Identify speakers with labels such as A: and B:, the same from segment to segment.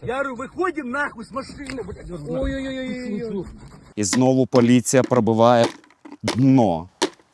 A: Я говорю, выходим нахуй с машины, блядь. Ой-ой-ой.
B: І знову поліція пробиває дно.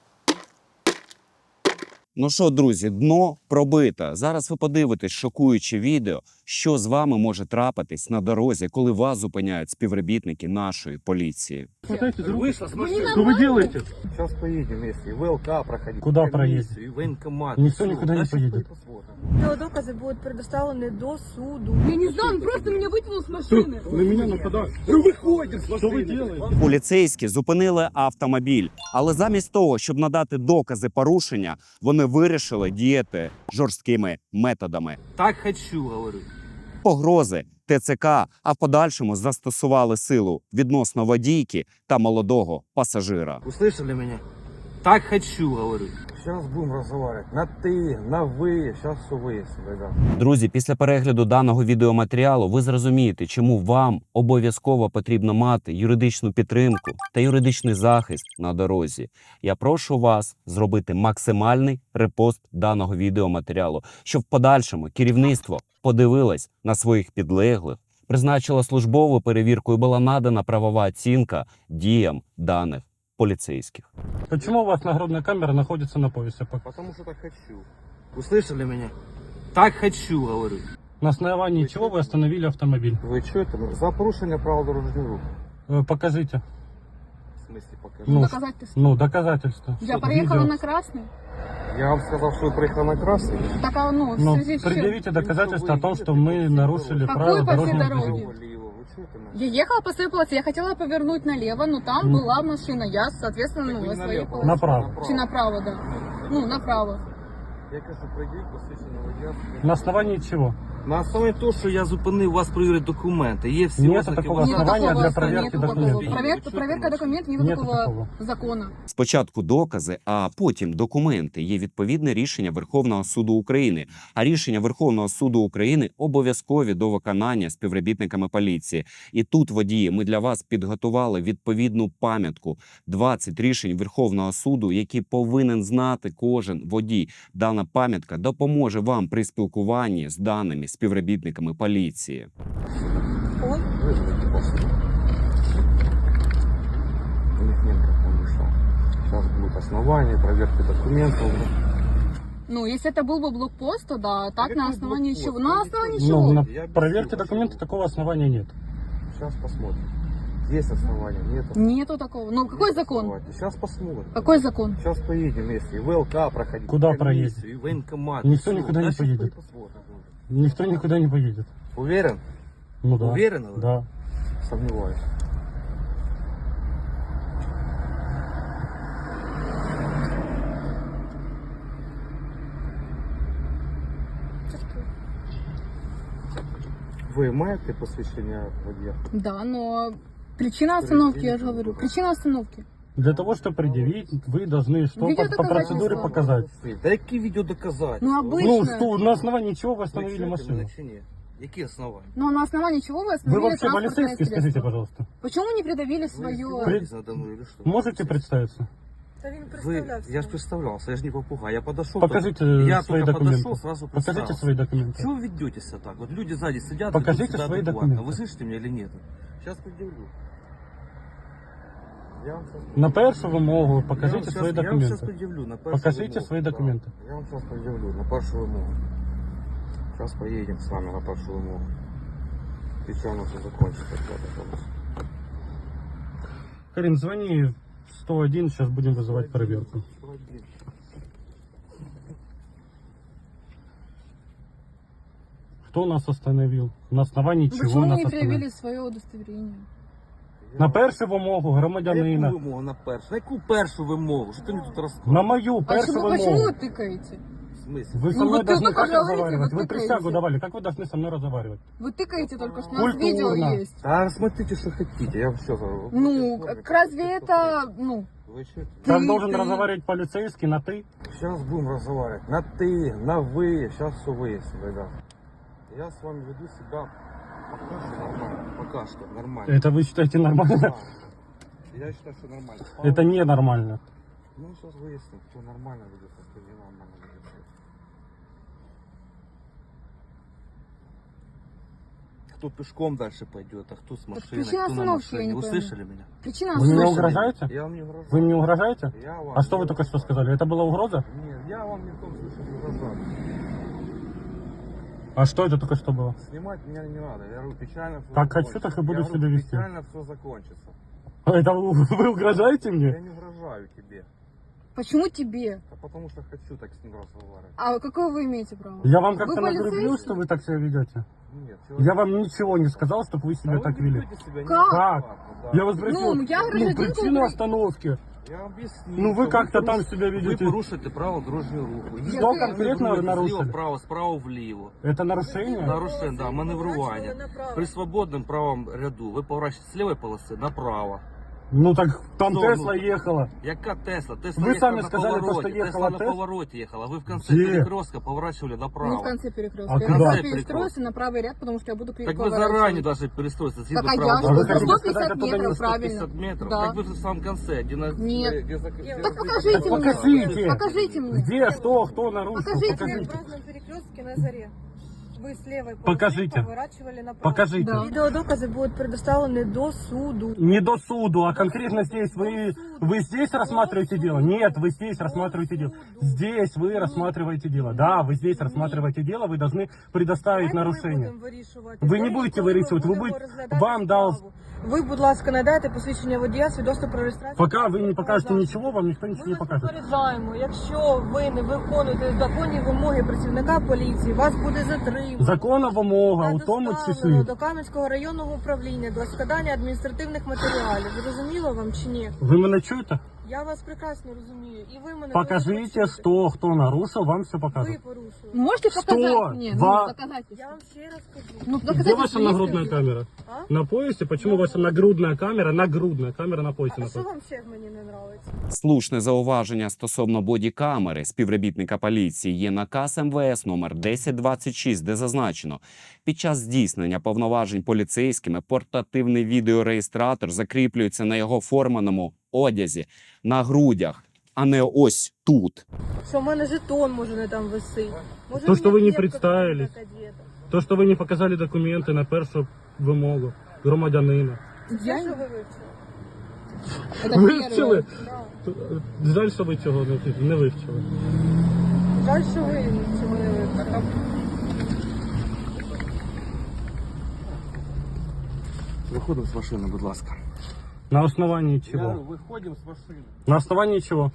B: Ну що, друзі, дно пробито. Зараз ви подивитесь шокуюче відео, що з вами може трапитись на дорозі, коли вас зупиняють співробітники нашої поліції.
A: Вышла с машины.
C: Что вы делаете?
A: Сейчас поедем вместе. И ВЛК проходить.
C: Куда
A: и
C: проедем?
A: комиссию, И военкомат.
C: Никто
A: Всё.
C: никуда не
A: Да, щас
C: поедет.
A: посмотрим.
D: Доказы будут предоставлены до суду.
E: Я не знаю, он просто меня вытянул с машины.
C: На меня нападают.
A: Ну выходим с
C: Что вы
A: машины.
C: делаете?
B: Поліцейські зупинили автомобіль, але замість того, щоб надати докази порушення, вони вирішили діяти жорсткими методами.
A: Так хочу, говорю.
B: Погрози, ТЦК, а в подальшому застосували силу відносно водійки та молодого пасажира.
A: Услышали меня? Так хочу, говорю. Сейчас будем разговаривать. На ты, на вы. Сейчас все выясним, ребят.
B: Друзі, після перегляду даного відеоматеріалу ви зрозумієте, чому вам обов'язково потрібно мати юридичну підтримку та юридичний захист на дорозі. Я прошу вас зробити максимальний репост даного відеоматеріалу, щоб в подальшому керівництво подивилось на своїх підлеглих, призначило службову перевірку і була надана правова оцінка діям даних поліцейських.
C: Почему у вас нагрудная камера находится на поясе?
A: Потому что так хочу. Услышали меня? Так хочу, говорю.
C: На основании чего вы остановили автомобиль?
A: Вы что это? За порушение правил дорожного руху.
C: Покажите.
A: В смысле покажи?
C: Ну,
E: Доказательства.
C: доказательства.
E: Я проехала
C: Видео.
E: на красный.
A: Я вам сказал, что вы приехал на красный.
E: Так, в
C: Ну,
E: связи с чем?
C: предъявите доказательства о том, что мы нарушили
E: Какой
C: правила
E: по всей
C: дорожного
E: дороге?
C: движения.
A: Вы что это?
E: Я ехала по своей полосе, я хотела повернуть налево, но там была машина. Я, соответственно,
A: Так вы
E: на
A: не
E: своей
A: налево,
E: полосе.
C: Направо.
E: Чи направо, да. Ну, направо.
A: Я кажу, пройдіть посвідчення водія.
C: На основании чего?
A: На основі того, що я зупинив вас перевірити документи. Є всі
C: Нет
A: ознаки
C: такого
A: вашого-
E: Нет
C: основания
E: такого,
C: для проверки
E: нету такого.
C: документов.
E: Проверка документов, нет
C: Нету
E: такого
C: такого.
E: закона.
B: Спочатку докази, а потім документи. Є відповідне рішення Верховного суду України. А рішення Верховного суду України обов'язкові до виконання співробітниками поліції. І тут, водії, ми для вас підготували відповідну пам'ятку. 20 рішень Верховного суду, які повинен знати кожен водій. Дана пам'ятка допоможе вам при спілкуванні з даними співробітниками поліції.
D: Ой,
A: Вызвайте после. У них нет как он ушел. Сейчас будут основания, проверки документов.
E: Ну, если это был бы блокпост, то да. А так
A: Какой
E: на основании
A: блокпост?
E: чего? На основании
C: Ну,
E: чего?
C: на
A: Я объясню,
C: проверке
A: почему.
C: документов такого основания нет.
A: Сейчас посмотрим. Есть основания, нет.
E: Нету такого. Ну, какой закон?
A: Сейчас посмотрим.
E: Какой закон?
A: Сейчас поедем вместе. И ВЛК проходить.
C: Куда
A: и комиссию,
C: проедем?
A: И военкомат.
C: Никто
A: Всё.
C: никуда не
A: Да, щас
C: поедет.
A: посмотрим.
C: Никто никуда не поедет.
A: Уверен?
C: Ну да.
A: Уверены вы?
C: Да.
A: Сомневаюсь. Вы маєте посвящение водія?
E: Да, но причина остановки, я же говорю. Причина остановки.
C: Для того, чтобы предъявить, вы должны что по процедуре
E: Видеодоказательства.
C: показать.
A: Да які відеодоказательства?
E: Ну,
C: Ну,
E: обычно.
C: что, на основании чего вы остановили
A: Ви чуєте
C: машину?
A: мене чи ні? Які основання?
E: Ну, а на основании чего вы
C: Вы
E: остановили
C: вообще
E: транспортное
C: полицейский, скажите,
E: средство?
C: пожалуйста.
E: Почему не придавили
A: Ви
E: свое...
A: издеваетесь надо мной или что?
C: Можете представиться?
D: та він
A: Вы,
D: представлявся.
A: я же представлялся, я же не попугай. Я подошел.
C: Покажите
A: я
C: свои
A: только
C: документы.
A: подошел, сразу
C: Покажите
A: представился.
C: свои документы.
A: Чего вы ведете себя так? Вот люди сзади сидят.
C: Покажите
A: ведут себя
C: свои
A: адекватно.
C: документы.
A: Вы слышите меня или нет? Сейчас предъявлю. Я вам сейчас...
C: На першу вимогу
A: я
C: покажите
A: вам
C: свои
A: щас- Я вам сейчас
C: документы.
A: предъявлю на першу
C: Покажите
A: вимогу.
C: свои
A: Да.
C: документы.
A: Я вам сейчас предъявлю на першу вимогу. Сейчас поедем с вами на першу вимогу. И что у нас все закончится?
C: Карин, звони в 101, сейчас будем вызывать проверку. Кто нас остановил? На основании чего
E: Почему
C: нас
E: не
C: остановили?
E: проявили свое удостоверение?
C: На першу вимогу
A: На яку
C: громадянина.
A: вимогу на першу? На яку першу вимогу? Що ти мені тут
C: На
A: розказуєш?
C: мою першу
E: Почему
C: вимогу.
E: вы тыкаете?
A: В смысле?
C: Вы со
E: Ну,
C: мной
E: вы
C: должны
E: только
C: как
E: говорите,
C: разговаривать?
E: вы
C: Вы
E: тыкаете.
C: присягу давали. Как вы должны со мной разговаривать?
E: Вы тыкаете только что, у нас видео
C: Культурно.
E: есть.
A: Да, смотрите, что хотите, я все говорю.
E: Ну, разве это, ну,
A: Вы что?
C: Как
E: Ты-
C: должен
E: ты-
C: разговаривать полицейский на ты?
A: Сейчас будем разговаривать. На ты, на вы. Сейчас все выясним, ребят. Я с вами веду себя пока что нормально. Пока что нормально.
C: Это вы считаете нормально?
A: Да. Я считаю, что нормально.
C: Это ненормально.
A: Ну, сейчас выясним, кто нормально ведет, а кто ненормально ведет. кто пешком дальше пойдет, а кто с машиной,
E: причина
A: кто на
E: остановки, я
A: машине.
E: не
A: Вы
E: пойму.
A: слышали меня?
E: Причина
C: Вы мне
E: слышали?
C: угрожаете?
A: Я вам не угрожаю.
C: Вы мне угрожаете?
A: Я вам
C: А что
A: не
C: вы только что
A: угрожаю.
C: сказали? Это была угроза?
A: Нет, я вам не в том случае не угрожаю.
C: А что это только что было?
A: Снимать меня не надо. Я говорю, печально все
C: Как хочу, так и буду себя вести.
A: Печально все закончится.
C: Это вы угрожаете
A: Я
C: мне?
A: не угрожаю тебе.
E: Почему тебе?
A: А потому что хочу так с ним разговаривать.
E: А какое вы имеете право?
C: Я вам как-то
E: Вы
C: нагрублю,
E: полицейский?
C: что вы так себя ведете?
A: Нет,
C: Я вам ничего не сказал, чтобы вы себя так вели. Как? Я вас спросил,
E: Ну, я гражданка
C: причину
E: Украины.
C: остановки.
A: Я объясню.
C: Ну, вы
A: что
C: как-то там
A: порушите-
C: себя
A: Вы
C: ведете.
A: порушите право дорожнього руху.
C: Что конкретно
A: Маневруєте
C: нарушили?
A: Зліва вправо, справа вліво.
C: Это нарушение?
A: Нарушення, да, маневрування.
D: Направо.
A: При свободному правому ряду ви поворачуєте з лівої полоси направо.
C: Ну так там
A: Ну,
C: Тесла
A: ну,
C: ехала.
A: Яка Тесла? Тесла
C: Ви
A: їхала
C: самі
A: на
C: сказали, то,
A: повороті.
C: що їхала
A: Тесла на
C: Тесла.
A: повороті їхала. Ви в кінці
C: Де?
A: перекрестка поворачивали
E: Не в
A: направо.
E: конце перекрестка.
C: А
E: Я
C: куда?
E: сейчас
A: Перекрестка.
E: перестройся на правый ряд, потому что я буду
A: Так вы
E: переворачивать.
A: заранее должны перестроиться.
E: Так, а я
C: А
E: что?
C: вы
E: За
C: хотите
E: 150
C: сказать, оттуда не
E: метров,
A: 150
E: правильно.
A: метров.
E: Да.
A: Так вы же в самом конце. Где на...
E: Нет.
A: где за-
E: Так покажите мне.
C: Покажите.
E: Покажите мне.
C: Где, что, кто нарушил?
E: Покажите.
D: В
C: Покажите.
D: разном перекрестке на заре. Вы с левой полосы
C: Покажите.
D: поворачивали направо.
C: Покажите.
E: Да.
D: Видеодоказы будут предоставлены до суду.
C: Не до суду, а конкретно здесь. Вы здесь рассматриваете дело? Нет, вы здесь рассматриваете дело. Здесь вы рассматриваете дело. Да, вы здесь рассматриваете дело, вы должны предоставить нарушение. Ви не будете вирішувати, ви будете- вам дав-
D: Ви, будь ласка, надайте посвідчення водія, свідоцтво про реєстрацію.
C: Пока вы не покажете ничего, вам никто ничего
D: Ми
C: не
D: вас
C: покажет.
D: попереджаємо, якщо ви не виконуєте законні вимоги працівника поліції, вас буде затримано.
C: Законна вимога,
D: та
C: у тому
D: доставлено
C: числі.
D: до Кам'янського районного управління для складання адміністративних матеріалів. Зрозуміло вам чи ні?
C: Ви мене чуєте?
D: Я вас прекрасно розумію. І ви мене
C: Покажите,
D: теж
C: что, кто нарушил, вам все
D: ви
C: покажут.
D: порушили.
E: Можете
C: Что?
E: показать мне? Ну,
C: Ва-
E: доказательства.
D: Я вам ще раз кажу.
E: Ну,
C: Где
E: доказательства
C: ваша
E: есть
C: нагрудная
E: люди?
C: камера?
D: А?
C: На поясе? Почему ваша нагрудная камера на поясе
D: А що
C: находится?
D: вам ще мені не подобається?
B: Слушне зауваження стосовно бодікамери співробітника поліції є наказ МВС номер 1026, де зазначено, під час здійснення повноважень поліцейськими портативний відеореєстратор закріплюється на його форманому одязі на грудях, а не ось тут.
D: Що в мене жетон може не там висить. Може,
C: То, що
D: мені
C: ви не
D: кепка
C: представились.
D: така одета.
C: То, что вы не показали документы на першу вимогу громадянина.
E: Я...
D: Це що ви вивчили?
E: Это
C: Вивчили?
E: первое.
D: Да.
C: Жаль, що ви цього не вивчили.
D: Жаль, що ви цього не вивчили.
A: Виходимо з машини, будь ласка.
C: На основании
A: Я
C: чего?
A: говорю, виходимо з машини.
C: На основании чего?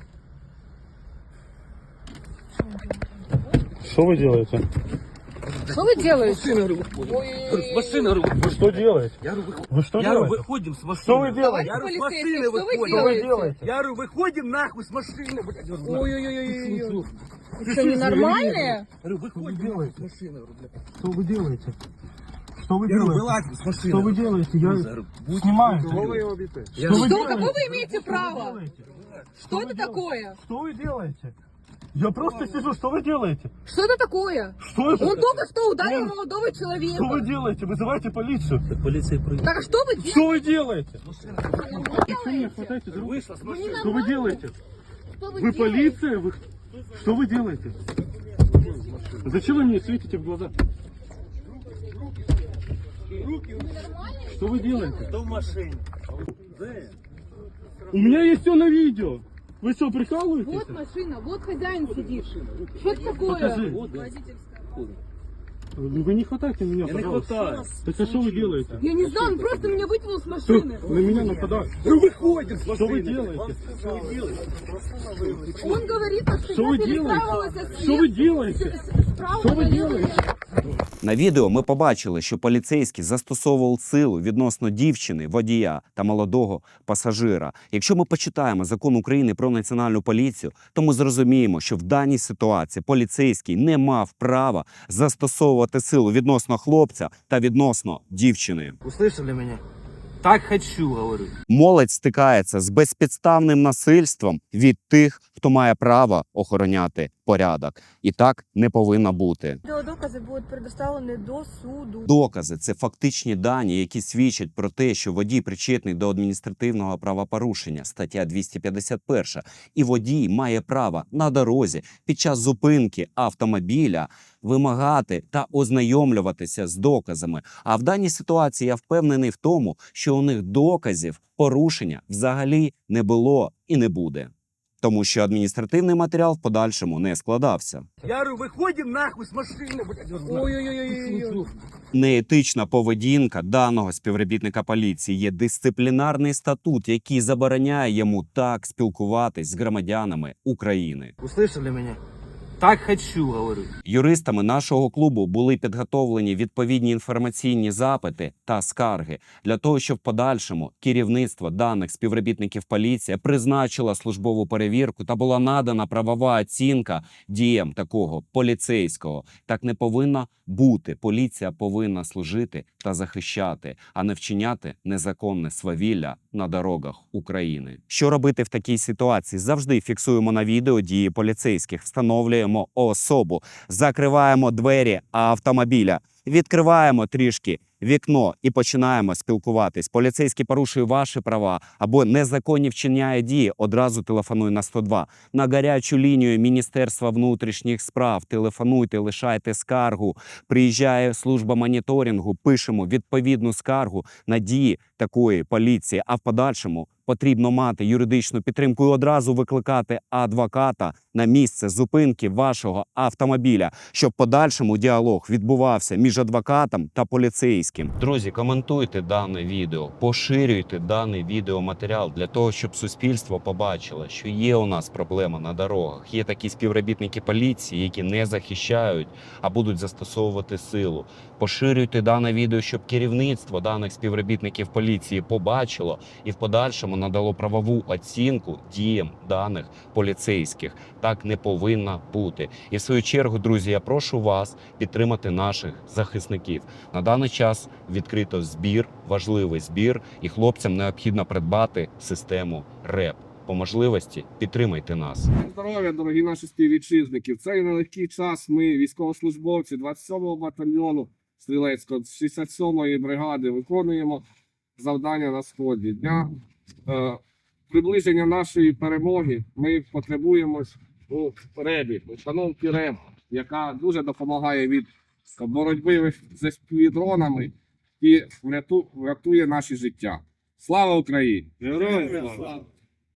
C: Что вы делаете?
E: Что вы делаете?
A: Машина, говорю, виходимо.
E: Ой.
A: Машина, говорю,
C: Вы что делаете?
A: я говорю, выходим.
C: Вы что
A: Я говорю,
C: делаете?
A: выходим с машины.
C: Что вы делаете?
A: Я говорю, с
E: Полицейский,
A: машины
E: что вы
A: выходим.
C: Что вы
E: делаете?
C: делаете?
A: Я говорю, выходим нахуй с машины, блядь. Я говорю,
E: Ой-ой-ой-ой-ой. Вы что, ненормальные?
A: Я говорю, выходим
C: делаете?
A: с машины. Говорю, блядь.
C: Что вы делаете? Что вы
A: Я говорю,
C: делаете?
A: вылазь с машины.
C: Что вы делаете? Я
A: говорю, будь-
C: снимаю.
A: Кого вы его бите? Я
C: Что вы
E: Что,
C: делаете?
E: какое вы имеете
C: Что вы
E: право?
C: делаете?
E: Что
C: вы
E: это
C: делаете?
E: такое?
C: Что вы делаете? Я просто сижу, что вы делаете?
E: Что это такое?
C: Что это?
E: Он только что ударил
C: Нет.
E: молодого
C: Что вы
E: человека.
C: делаете? Вызывайте полицию.
A: Полиция прыгает.
E: Так а что вы делаете?
C: Что вы делаете?
E: Что
C: Вы меня хватаете за руку?
A: Вышла с
E: Вы
A: машины.
C: Что вы делаете?
E: Что
C: Вы
E: делаете?
C: полиция? Вы... Что вы делаете? Зачем вы мне светите в глаза? Что вы делаете?
A: Кто в машине?
C: У меня есть все на видео. Вы что, прикалываетесь?
E: Вот машина, вот хозяин сидит. Что это такое?
C: Покажи. Вы не хватайте меня,
A: Я не
C: пожалуйста.
A: хватаю.
C: Так а что вы делаете?
E: Я не знаю, он просто меня вытянул с
C: Что?
E: машины.
C: На меня нападают.
A: Ну выходим с
C: Что вы
A: машины.
C: делаете?
E: Он говорит, что
C: Что
E: я
C: вы
E: перестраивалась
C: делаете? Что вы делаете? Что вы делаете?
B: На відео ми побачили, що поліцейський застосовував силу відносно дівчини, водія та молодого пасажира. Якщо ми почитаємо закон України про національну поліцію, то ми зрозуміємо, що в даній ситуації поліцейський не мав права застосовувати силу відносно хлопця та відносно дівчини.
A: Услышали меня? Так хочу, говорю.
B: Молодь стикається з безпідставним насильством від тих, хто має право охороняти порядок. І так не повинно бути.
D: Відеодокази будуть предоставлені до суду.
B: Докази – це фактичні дані, які свідчать про те, що водій причетний до адміністративного правопорушення, стаття 251. І водій має право на дорозі під час зупинки автомобіля вимагати та ознайомлюватися з доказами. А в даній ситуації я впевнений в тому, що у них доказів порушення взагалі не було і не буде. Тому що адміністративний матеріал в подальшому не складався.
C: Я говорю, выходим нахуй с машины, блядь.
D: Ой-ой-ой.
B: Неетична поведінка даного співробітника поліції є дисциплінарний статут, який забороняє йому так спілкуватись з громадянами України.
C: Услышали меня? Так хочу, говорю.
B: Юристами нашого клубу були підготовлені відповідні інформаційні запити та скарги для того, щоб в подальшому керівництво даних співробітників поліції призначило службову перевірку та була надана правова оцінка діям такого поліцейського. Так не повинно бути. Поліція повинна служити та захищати, а не вчиняти незаконне свавілля на дорогах України. Що робити в такій ситуації? Завжди фіксуємо на відео дії поліцейських, встановлюємо особу, закриваємо двері автомобіля, відкриваємо трішки вікно і починаємо спілкуватись. Поліцейський порушує ваші права або незаконні вчиняє дії, одразу телефонуй на 102. На гарячу лінію Міністерства внутрішніх справ телефонуйте, лишайте скаргу. Приїжджає служба моніторингу, пишемо відповідну скаргу на дії такої поліції, а в подальшому потрібно мати юридичну підтримку і одразу викликати адвоката на місце зупинки вашого автомобіля, щоб в подальшому діалог відбувався між адвокатом та поліцейським. Друзі, коментуйте дане відео, поширюйте даний відеоматеріал для того, щоб суспільство побачило, що є у нас проблема на дорогах. Є такі співробітники поліції, які не захищають, а будуть застосовувати силу. Поширюйте дане відео, щоб керівництво даних співробітників поліції побачило і в подальшому надало правову оцінку діям даних поліцейських. Так не повинно бути. І в свою чергу, друзі, я прошу вас підтримати наших захисників. На даний час відкрито збір, важливий збір, і хлопцям необхідно придбати систему РЕП. По можливості підтримайте нас.
F: Здоров'я, дорогі наші співвітчизники. В цей нелегкий час ми, військовослужбовці 27-го батальйону Стрілецького, 67-ї бригади, виконуємо завдання на сході. Для приближення нашої перемоги ми потребуємо у РЕБі, установки РЕБ, яка дуже допомагає від боротьби з FPV-дронами і врятує наші життя. Слава Україні! Героям слава!